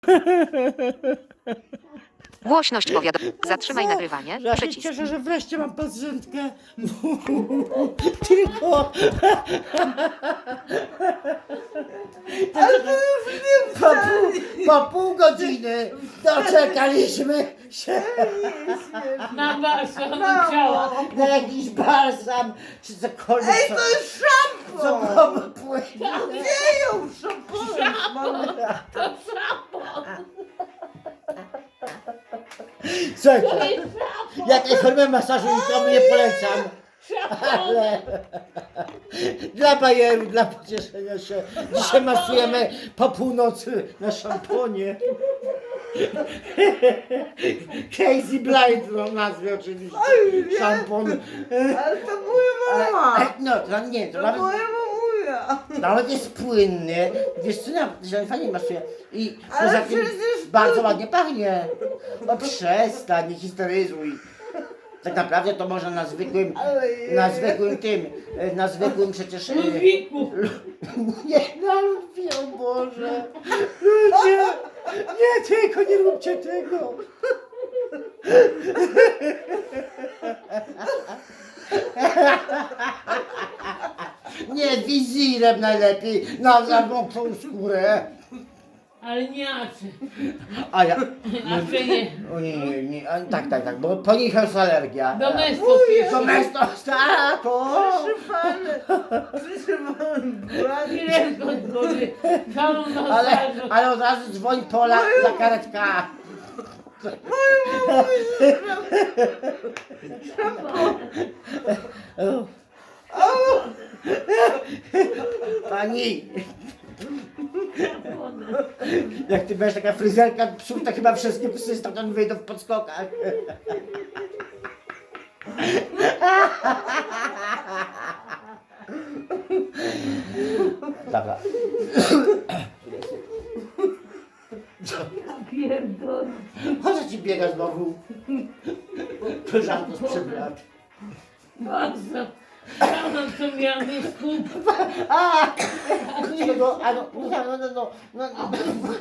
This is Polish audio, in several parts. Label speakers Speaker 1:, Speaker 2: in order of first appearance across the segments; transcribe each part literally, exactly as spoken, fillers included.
Speaker 1: Głośność powiadomień. Zatrzymaj nagrywanie.
Speaker 2: Ja się
Speaker 1: Przycisk.
Speaker 2: cieszę, że wreszcie mam pacjentkę. Tylko... Ale to już nie po, pół, po pół godziny doczekaliśmy się
Speaker 3: Na balsam ciała.
Speaker 2: na jakiś balsam, czy cokolwiek.
Speaker 4: Ej, to jest
Speaker 2: co
Speaker 4: szampon!
Speaker 2: co płynie.
Speaker 4: Gdzie ją szamponem?
Speaker 3: To szampan.
Speaker 2: Słuchajcie, ja tej formy masażu nikomu nie polecam. Ale dla bajeru, dla pocieszenia się. Dzisiaj masujemy po północy na szamponie. Crazy Blind no, nazwie oczywiście. Szampon.
Speaker 4: Ale to moja mama!
Speaker 2: No, to nie, to
Speaker 4: To
Speaker 2: nawet,
Speaker 4: moja mamuja!
Speaker 2: nawet jest płynny. Wiesz co, ja się fajnie masuje. I
Speaker 4: Ale
Speaker 2: poza tym
Speaker 4: przecież
Speaker 2: bardzo
Speaker 4: to-
Speaker 2: ładnie pachnie. No przestań, nie historyzuj. Tak naprawdę to można na zwykłym,
Speaker 4: Ale
Speaker 2: na
Speaker 4: je-
Speaker 2: zwykłym tym, e, na zwykłym przecież... e,
Speaker 3: Ludwiku.
Speaker 2: Nie, na Ludwi, o Boże. Ludzie, nie tylko, nie róbcie tego. Nie, wizirem najlepiej, na zamokłą skórę.
Speaker 3: Ale nie Acy.
Speaker 2: A ja...
Speaker 3: Acy nie.
Speaker 2: O nie, nie, nie, a, tak, tak, tak, bo po nich jest alergia.
Speaker 3: Domestos jeszcze.
Speaker 2: Domestos, tak, o.
Speaker 4: Przyfane! Przyfane!
Speaker 3: Ile skąd góry. Całą
Speaker 2: Ale,
Speaker 3: masażu.
Speaker 2: ale od razu dzwoń Pola za karetka. Pani, jak ty będziesz taka fryzerka psów, to chyba wszystkie psy stamtąd wyjdą w podskokach. Dobra.
Speaker 3: Pierdol.
Speaker 2: Po co ci biega znowu? Koleżanko sprzed lat.
Speaker 3: Bardzo. Całą co miałam jest kup.
Speaker 2: A! Czego? A no, no, no, no, no, no, no.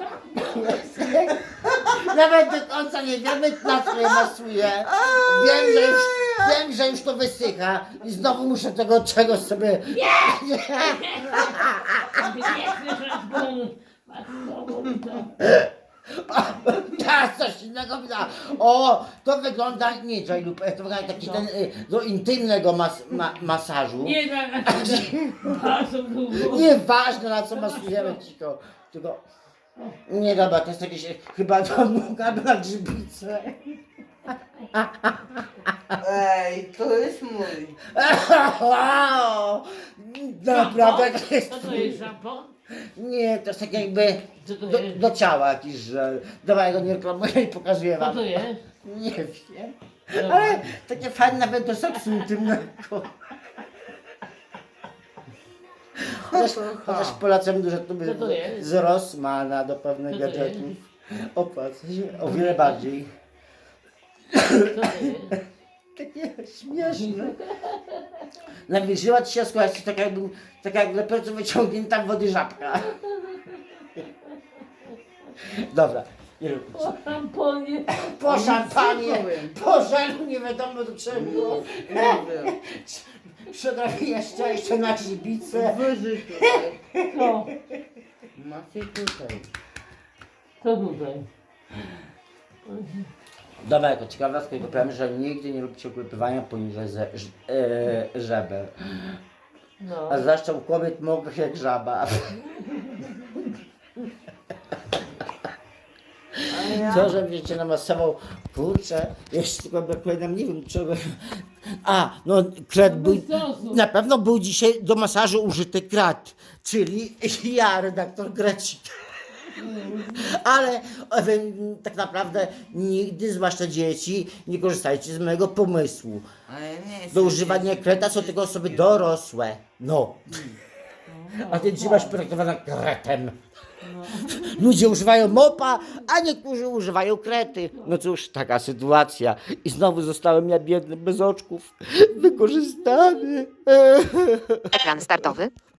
Speaker 2: Nawet do końca nie wiemy, na co je masuje. Wiem, że już, wiem, że już to wysycha i znowu muszę tego czegoś sobie...
Speaker 3: Nie chcesz rozgonu.
Speaker 2: Teraz coś innego widać. O, to wygląda, nie Joy lub to wygląda taki ten y, do intymnego mas, ma, masażu.
Speaker 3: Nie tak. Bardzo długo.
Speaker 2: Nieważne na co masujemy tylko, tylko nie dobra, to jest jakieś chyba to noga na grzybicę.
Speaker 4: Ej, to jest mój!
Speaker 2: Naprawdę to jest
Speaker 3: Co to jest szampon?
Speaker 2: nie, to jest tak jakby
Speaker 3: Co to
Speaker 2: do,
Speaker 3: jest?
Speaker 2: do ciała jakiś żel. Dobra, ja go nie reklamuję i pokazuję
Speaker 3: Co
Speaker 2: wam.
Speaker 3: to jest?
Speaker 2: Nie wiem,
Speaker 3: Dobra.
Speaker 2: ale takie fajne nawet do seksu intymnego. Chociaż, chociaż polecam dużo to
Speaker 3: Co to jest?
Speaker 2: z Rossmana do pewnych
Speaker 3: Co to
Speaker 2: gadżetów. Opłaca się o wiele bardziej.
Speaker 3: Co to jest?
Speaker 2: Takie śmieszne. Nawilżyła ci się, słuchajcie, tak jakby, tak jak dopiero wyciągnięta w wody żabka. Dobra, nie róbmy się.
Speaker 3: O szamponie.
Speaker 2: Po szampanie,
Speaker 4: powiem.
Speaker 2: po żelu, nie wiadomo do czego.
Speaker 4: Nie wiem.
Speaker 2: Przedrobienia szczęścia na grzybicę.
Speaker 4: Wyżej tutaj.
Speaker 3: Co?
Speaker 4: Macie tutaj.
Speaker 3: Co tutaj?
Speaker 2: Dobra, jako ciekawostkę powiem, że nigdy nie róbcie ukrypywania poniżej ze, ż, e, żeber.
Speaker 3: No.
Speaker 2: A zwłaszcza u kobiet mogę jak żaba.
Speaker 4: A ja...
Speaker 2: To, że będziecie namasował, kurczę, jeszcze tylko brakuje nam, nie wiem czego. A, no kret był, na pewno był dzisiaj do masażu użyty krat, czyli ja, redaktor Grecik. Ale e, tak naprawdę nigdy, zwłaszcza dzieci, nie korzystajcie z mojego pomysłu.
Speaker 4: Ale nie
Speaker 2: Do używania kreta są tylko osoby dorosłe. No. A ty trzymasz projektowana kretem. Ludzie używają mopa, a niektórzy używają krety. No cóż, taka sytuacja. I znowu zostałem ja biedny, bez oczków, wykorzystany.
Speaker 1: Ekran startowy.